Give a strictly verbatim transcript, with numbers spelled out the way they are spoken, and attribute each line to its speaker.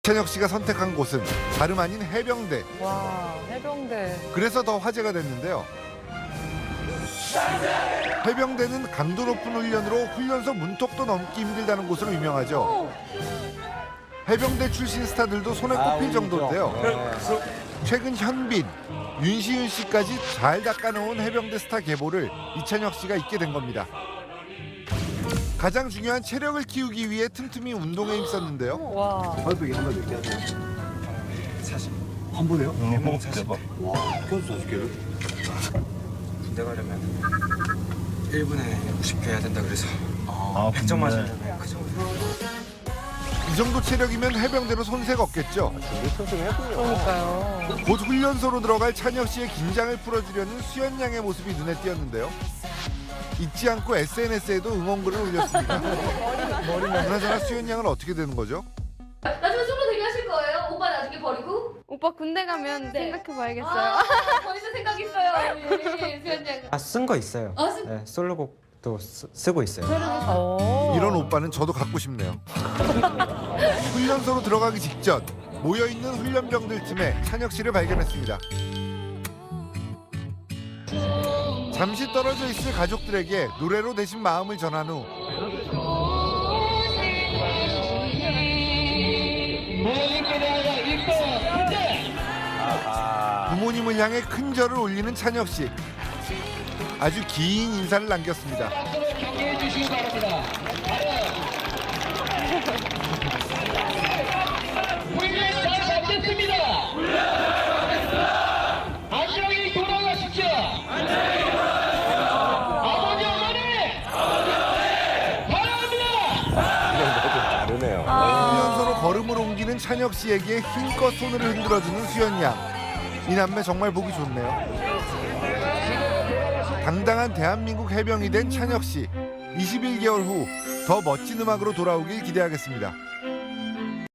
Speaker 1: 이찬혁 씨가 선택한 곳은 다름 아닌 해병대.
Speaker 2: 와, 해병대.
Speaker 1: 그래서 더 화제가 됐는데요. 해병대는 강도 높은 훈련으로 훈련소 문턱도 넘기 힘들다는 곳으로 유명하죠. 해병대 출신 스타들도 손에 꼽힐 정도인데요. 최근 현빈, 윤시윤 씨까지 잘 닦아놓은 해병대 스타 계보를 이찬혁 씨가 잇게 된 겁니다. 가장 중요한 체력을 키우기 위해 틈틈이 운동에 힘썼는데요.
Speaker 2: 와.
Speaker 3: 발빼기 한 번 몇 개 하세요?
Speaker 4: 사십.
Speaker 3: 한 번에요?
Speaker 4: 음, 대박.
Speaker 3: 와, 그것도 사십 개를?
Speaker 4: 군대 가려면 일 분에 오십 개 해야 된다 그래서
Speaker 5: 아,
Speaker 4: 백 점
Speaker 5: 근데
Speaker 4: 맞으려면 그 정도.
Speaker 1: 이 정도 체력이면 해병대로 손색 없겠죠.
Speaker 3: 준비 틈틈이 했군요.
Speaker 2: 그러니까요.
Speaker 1: 곧 훈련소로 들어갈 찬혁 씨의 긴장을 풀어주려는 수연 양의 모습이 눈에 띄었는데요. 잊지 않고 에스엔에스에도 응원글을 올렸습니다. 그나저나 수연 양은 어떻게 되는 거죠?
Speaker 6: 나중에 솔로 데뷔하실 거예요? 오빠 나중에 버리고?
Speaker 7: 오빠 군대 가면
Speaker 6: 네.
Speaker 7: 생각해봐야겠어요.
Speaker 6: 아, 벌써 생각 있어요, 우리 수현 양.
Speaker 4: 아, 쓴 거 있어요.
Speaker 6: 아, 쓴-
Speaker 4: 네, 솔로곡도 쓰, 쓰고 있어요.
Speaker 2: 오.
Speaker 1: 이런 오빠는 저도 갖고 싶네요. 훈련소로 들어가기 직전 모여있는 훈련병들 틈에 찬혁 씨를 발견했습니다. 잠시 떨어져 있을 가족들에게 노래로 대신 마음을 전한 후 부모님을 향해 큰 절을 올리는 찬혁 씨. 아주 긴 인사를 남겼습니다.
Speaker 8: 안녕히 돌아가십시오. 아버지 어머니 바랍니다.
Speaker 3: 다르네요.
Speaker 1: 훈련소로 걸음을 옮기는 찬혁 씨에게 힘껏 손을 흔들어주는 수연 양. 이 남매 정말 보기 좋네요. 당당한 대한민국 해병이 된 찬혁 씨. 이십일 개월 후 더 멋진 음악으로 돌아오길 기대하겠습니다.